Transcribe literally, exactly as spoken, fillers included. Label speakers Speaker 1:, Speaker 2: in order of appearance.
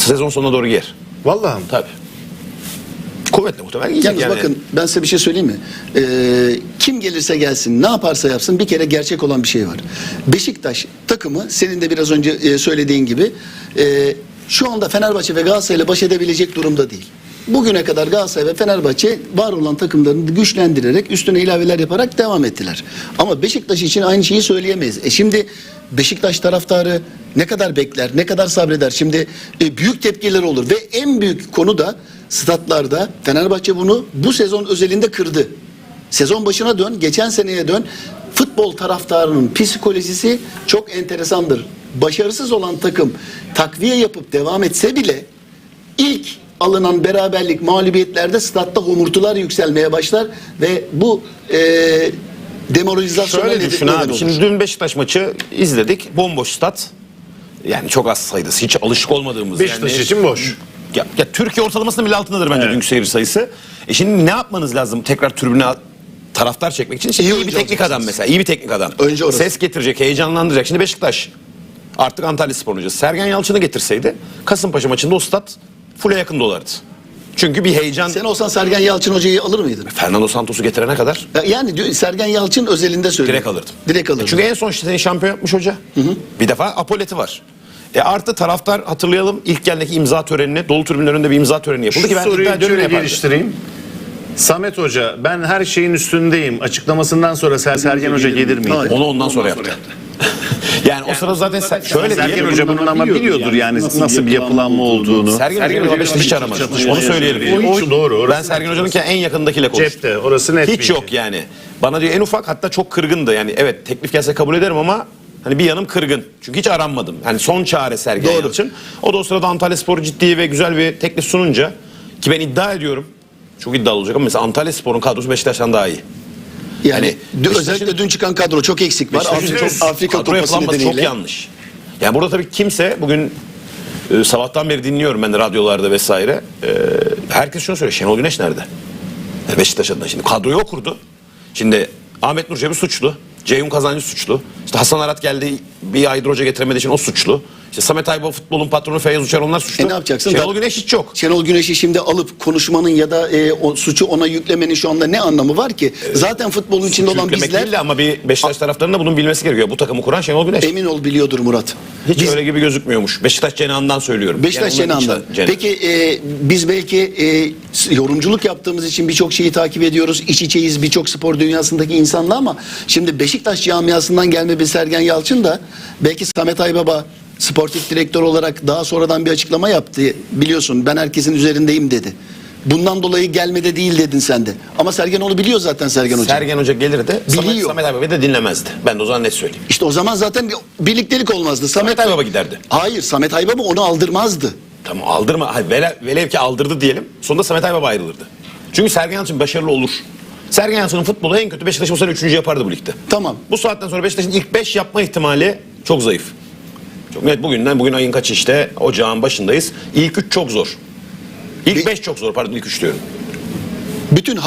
Speaker 1: Sezon sonuna doğru giyer.
Speaker 2: Vallahi mi?
Speaker 1: Tabii. Kuvvetle muhtemelen giyecek
Speaker 3: Yalnız
Speaker 1: yani.
Speaker 3: bakın ben size bir şey söyleyeyim mi? Ee, kim gelirse gelsin, ne yaparsa yapsın bir kere gerçek olan bir şey var. Beşiktaş takımı senin de biraz önce e, söylediğin gibi e, şu anda Fenerbahçe ve Galatasaray ile baş edebilecek durumda değil. Bugüne kadar Galatasaray ve Fenerbahçe var olan takımlarını güçlendirerek üstüne ilaveler yaparak devam ettiler. Ama Beşiktaş için aynı şeyi söyleyemeyiz. E şimdi Beşiktaş taraftarı ne kadar bekler, ne kadar sabreder? Şimdi e, büyük tepkiler olur ve en büyük konu da statlarda Fenerbahçe bunu bu sezon özelinde kırdı. Sezon başına dön, geçen seneye dön. Futbol taraftarının psikolojisi çok enteresandır. Başarısız olan takım takviye yapıp devam etse bile ilk alınan beraberlik mağlubiyetlerde statta homurtular yükselmeye başlar ve bu e, demoralizasyona
Speaker 1: Şöyle
Speaker 3: neden
Speaker 1: düşün
Speaker 3: neden
Speaker 1: abi.
Speaker 3: olur.
Speaker 1: Şimdi dün Beşiktaş maçı izledik. Bomboş stat. Yani çok az sayıda. Hiç alışık olmadığımız.
Speaker 2: Beşiktaş
Speaker 1: yani,
Speaker 2: için boş.
Speaker 1: Ya, ya Türkiye ortalamasının bile altındadır bence
Speaker 2: Evet.
Speaker 1: dünkü seyirci sayısı. E şimdi ne yapmanız lazım tekrar tribüne taraftar çekmek için? İşte
Speaker 3: İyi
Speaker 1: iyi, bir
Speaker 3: oyuncu
Speaker 1: teknik adam
Speaker 3: olacaksınız.
Speaker 1: mesela. İyi bir teknik adam.
Speaker 3: Önce orası.
Speaker 1: Ses getirecek, heyecanlandıracak. Şimdi Beşiktaş artık Antalyaspor hocası. Sergen Yalçın'ı getirseydi Kasımpaşa maçında o stat full'e yakın dolardı. Çünkü bir heyecan.
Speaker 3: Sen olsan Sergen Yalçın hocayı alır mıydın?
Speaker 1: Fernando Santos'u getirene kadar
Speaker 3: Ya Yani diyor, Sergen Yalçın özelinde söylüyor.
Speaker 1: direkt alırdım.
Speaker 3: Direkt alırdım.
Speaker 1: Çünkü en son işte seni şampiyon yapmış hoca. Bir defa Apolet'i var. E artı taraftar hatırlayalım ilk geldeki imza törenine dolu tribünün önünde bir imza töreni yapıldı
Speaker 2: Şu
Speaker 1: ki ben
Speaker 2: soruyu
Speaker 1: iddia ediyorum
Speaker 2: şöyle
Speaker 1: yapardı.
Speaker 2: geliştireyim. Samet Hoca ben her şeyin üstündeyim açıklamasından sonra Ser- Sergen Hoca gelir miydi?
Speaker 3: Hayır.
Speaker 1: Onu ondan sonra yaptı. yani, o sırada zaten sen, şöyle
Speaker 2: Sergen
Speaker 1: diyelim.
Speaker 2: Hoca bunun ama biliyordur yani nasıl bir yapılanma olduğunu.
Speaker 1: Sergen Hoca'yı Beşiktaş hiç aramadı.
Speaker 2: Çatışma
Speaker 1: Onu söyleyelim.
Speaker 2: O hiç doğru.
Speaker 1: Ben
Speaker 2: Orası
Speaker 1: Sergen Hoca'nın en yakındakiyle konuştum.
Speaker 2: cepte. Orası net.
Speaker 1: Hiç
Speaker 2: bilgi.
Speaker 1: yok yani. Bana diyor en ufak hatta çok kırgındı. Yani evet teklif gelse kabul ederim ama hani bir yanım kırgın. Çünkü hiç aranmadım. Hani son çare Sergen
Speaker 3: Doğru.
Speaker 1: Yalçın. O da o sırada Antalyaspor ciddi ve güzel bir teklif sununca ki ben iddia ediyorum. Çok iddialı olacak ama mesela Antalyaspor'un kadrosu Beşiktaş'tan daha iyi.
Speaker 3: Yani
Speaker 1: Hani
Speaker 3: dün-
Speaker 1: Beşiktaş'ın-
Speaker 3: özellikle dün çıkan kadro çok eksik var.
Speaker 1: Beşiktaş'ın
Speaker 3: Afrika,
Speaker 1: çok
Speaker 3: Afrika
Speaker 1: kadro
Speaker 3: Kupası
Speaker 1: yapılanması
Speaker 3: nedeniyle.
Speaker 1: çok yanlış. Yani burada tabii kimse bugün e, sabahtan beri dinliyorum ben de radyolarda vesaire. E, herkes şunu söylüyor. Şenol Güneş nerede? Yani Beşiktaş adına şimdi kadroyu o kurdu. Şimdi Ahmet Nur Çebi suçlu. Ceyhun Kazancı suçlu. İşte Hasan Arat geldi bir aydır hoca getiremediği için o suçlu. İşte Samet Aybaba futbolun patronu Feyyaz Uçar onlar suçlu.
Speaker 3: E ne yapacaksın?
Speaker 1: Şenol
Speaker 3: Da-
Speaker 1: Güneş hiç yok.
Speaker 3: Şenol Güneş'i şimdi alıp konuşmanın ya da e, o suçu ona yüklemenin şu anda ne anlamı var ki? Zaten futbolun içinde olan
Speaker 1: Yüklemek
Speaker 3: bizler
Speaker 1: değil de ama bir Beşiktaş taraftarının da bunun bilmesi gerekiyor. Bu takımı kuran Şenol Güneş.
Speaker 3: emin ol biliyordur Murat.
Speaker 1: Hiç
Speaker 3: Biz-
Speaker 1: öyle gibi gözükmüyormuş. Beşiktaş cenahından söylüyorum.
Speaker 3: Beşiktaş
Speaker 1: Yani onların
Speaker 3: cenahından.
Speaker 1: içi- cenah.
Speaker 3: Peki e, biz belki e, s- yorumculuk yaptığımız için birçok şeyi takip ediyoruz. İç içeyiz birçok spor dünyasındaki insanla ama şimdi Beşiktaş camiasından gelme bir Sergen Yalçın da belki Samet Aybaba sportif direktör olarak daha sonradan bir açıklama yaptı. Biliyorsun ben herkesin üzerindeyim dedi. Bundan dolayı gelmede değil dedin sen de. Ama Sergen onu biliyor zaten Sergen Hoca.
Speaker 1: Sergen Hoca gelir de Samet,
Speaker 3: Biliyor.
Speaker 1: Samet Aybaba'yı da dinlemezdi. Ben de o zaman net söyleyeyim.
Speaker 3: İşte o zaman zaten bir birliktelik olmazdı. Samet,
Speaker 1: Samet Aybaba giderdi.
Speaker 3: Hayır, Samet Aybaba onu aldırmazdı.
Speaker 1: Tamam aldırma. Hayır, vele, velev ki aldırdı diyelim. Sonunda Samet Aybaba ayrılırdı. Çünkü Sergen Yalçın başarılı olur. Sergen Yalçın'ın futbolu en kötü Beşiktaş'ı bu sene üçüncü yapardı bu ligde.
Speaker 3: Tamam.
Speaker 1: Bu saatten sonra Beşiktaş'ın ilk beş yapma ihtimali çok zayıf. Çok net bugünden bugün ayın kaçı işte ocağın başındayız. İlk üç çok zor. İlk beş çok zor pardon ilk üç diyorum.
Speaker 3: Bütün